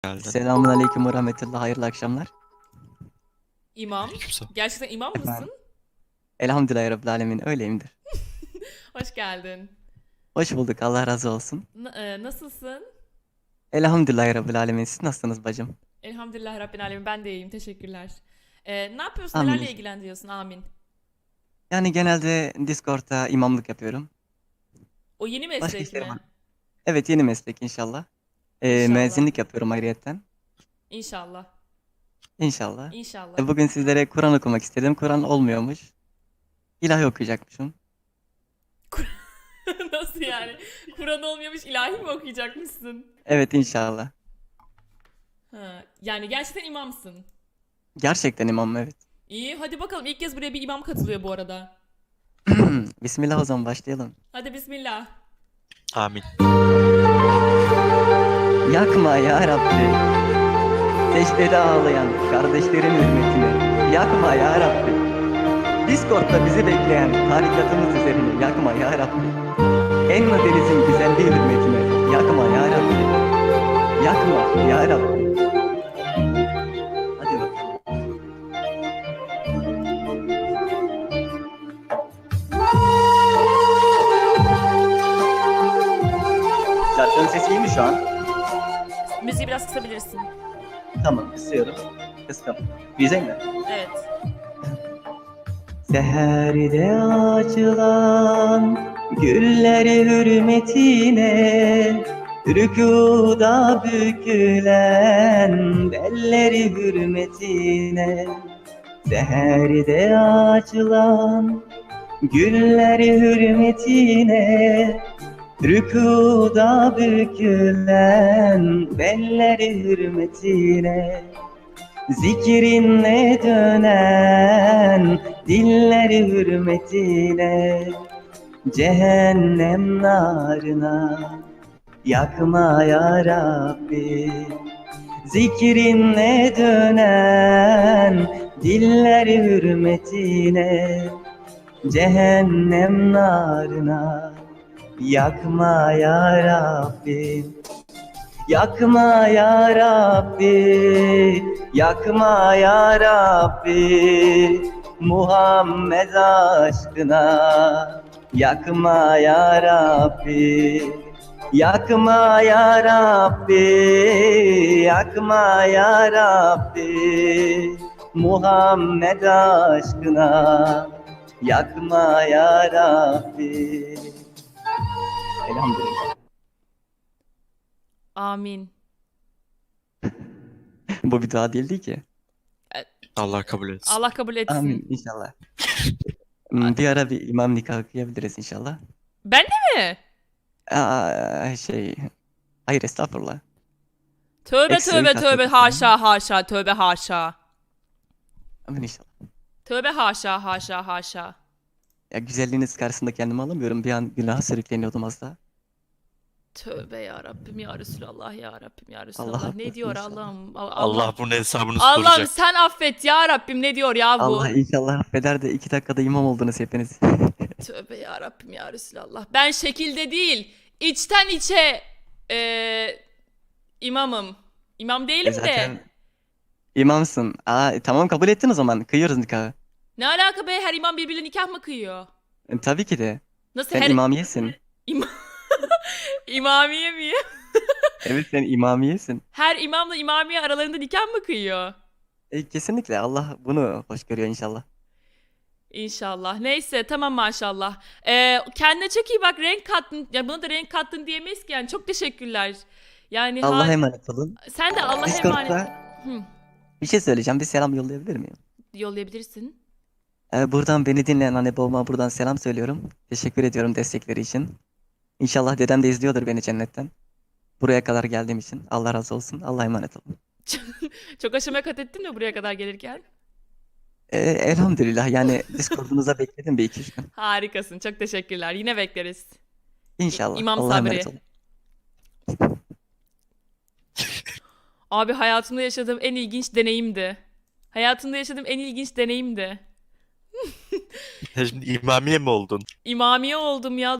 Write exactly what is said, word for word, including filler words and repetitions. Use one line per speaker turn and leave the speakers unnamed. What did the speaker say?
Geldin.
Selamun aleyküm ve rahmetullah. Hayırlı akşamlar.
İmam.
Aleykümselam.
Gerçekten imam
Efendim.
mısın?
Elhamdülillahi Rabbil Alemin. Öyleyimdir.
Hoş geldin.
Hoş bulduk. Allah razı olsun.
N- e, nasılsın?
Elhamdülillahi Rabbil Alemin. Siz nasılsınız bacım?
Elhamdülillah Rabbil Alemin. Ben de iyiyim. Teşekkürler. E, ne yapıyorsun?
Amin
Nelerle
inşallah.
ilgilendiriyorsun? Amin.
Yani genelde Discord'da imamlık yapıyorum.
O yeni
Başka
meslek
işlerim
mi?
var. Evet, yeni meslek inşallah. Ee,
İnşallah.
müezzinlik yapıyorum ayrıyetten.
İnşallah.
İnşallah.
İnşallah.
E, bugün sizlere Kur'an okumak istedim. Kur'an olmuyormuş. İlahi okuyacakmışım.
Nasıl yani? Kur'an olmuyormuş, ilahi mi okuyacakmışsın?
Evet inşallah.
Ha, yani gerçekten imamsın.
Gerçekten imamım, evet.
İyi, hadi bakalım. İlk kez buraya bir imam katılıyor bu arada.
Bismillah, o zaman başlayalım.
Hadi bismillah.
Amin.
Yakma ya Rabbi. Secdede ağlayan kardeşlerin hürmetine. Yakma ya Rabbi. Discord'da bizi bekleyen tarikatımız üzerine yakma ya Rabbi. Enna denizin güzelliği hürmetine yakma ya Rabbi. Yakma ya Rabbi. Hadi bakalım. Şarkının sesi iyi mi şu an?
Müziği biraz kısabilirsin.
Tamam, kısıyorum. Kıstım. Güzel mi?
Evet.
Seherde açılan gülleri hürmetine, rükuda bükülen belleri hürmetine. Seherde açılan gülleri hürmetine, rükuda bükülen belleri hürmetine. Zikrinle dönen dilleri hürmetine, cehennem narına yakma ya Rabbi. Zikrinle dönen dilleri hürmetine, cehennem narına yakma ya Rabbi. Yakma ya Rabbi, yakma ya Rabbi, Muhammed aşkına. Yakma ya Rabbi, yakma ya Rabbi, yakma ya Rabbi, Muhammed aşkına. Yakma ya Rabbi. Elhamdülillah.
Amin.
Bu bir dua değildi ki.
Allah kabul etsin.
Allah kabul etsin.
Amin inşallah. Hmm, Bir ara bir imam nikahı kıyabiliriz inşallah.
Ben de mi?
Aa, şey... Hayır, estağfurullah.
Tövbe
Ekstrem
tövbe
kastettim
tövbe
seni.
haşa haşa tövbe haşa.
Amin inşallah.
Tövbe haşa haşa haşa.
Ya güzelliğiniz karşısında kendimi alamıyorum. Bir an günaha sürükleniyordum az daha.
Tövbe ya Rabbim ya Resulallah ya Rabbim ya Resulallah.
Allah
Ne
affetsin
diyor
inşallah.
Allah'ım? Allah,
Allah bunun hesabını
Allah'ım
soracak.
sen affet ya Rabbim, ne diyor ya bu?
Allah inşallah affeder de iki dakikada imam oldunuz hepiniz.
Tövbe ya Rabbim ya Resulallah. Ben şekilde değil, içten içe eee, imamım. İmam
E
değilim de.
zaten imamsın. Aa, tamam, kabul ettin o zaman. Kıyıyoruz nikahı.
Ne alaka be, her imam birbirine nikah mı kıyıyor?
E, tabii ki de.
Nasıl
Sen
her
imamiyesin.
İma- İmamiye miyim?
Evet, sen imamiyesin.
Her imamla imamiye aralarında nikah mı kıyıyor?
E, kesinlikle Allah bunu hoş görüyor inşallah.
İnşallah. Neyse, tamam maşallah. Ee, kendine çok iyi bak, renk kattın. Ya buna da renk kattın diyemeyiz ki yani. Çok teşekkürler. Yani
Allah'a
ha-
emanet olun.
sen de Allah'a emanet.
Discord'da
Hı,
bir şey söyleyeceğim. Bir selam yollayabilir miyim?
yollayabilirsin.
Ee, buradan beni dinleyen anne babama buradan selam söylüyorum. Teşekkür ediyorum destekleri için. İnşallah dedem de izliyordur beni cennetten. Buraya kadar geldiğim için. Allah razı olsun. Allah'a emanet olun.
Çok aşama kat ettin mi buraya kadar gelirken?
Ee, elhamdülillah, yani Discord'unuza bekledim bir iki üç gün.
Harikasın. Çok teşekkürler. Yine bekleriz.
İnşallah.
İmam
Allah'a
Sabri.
emanet olun.
Abi, hayatımda yaşadığım en ilginç deneyimdi. Hayatımda yaşadığım en ilginç deneyimdi.
Şimdi imamiye mi oldun?
İmamiye oldum ya.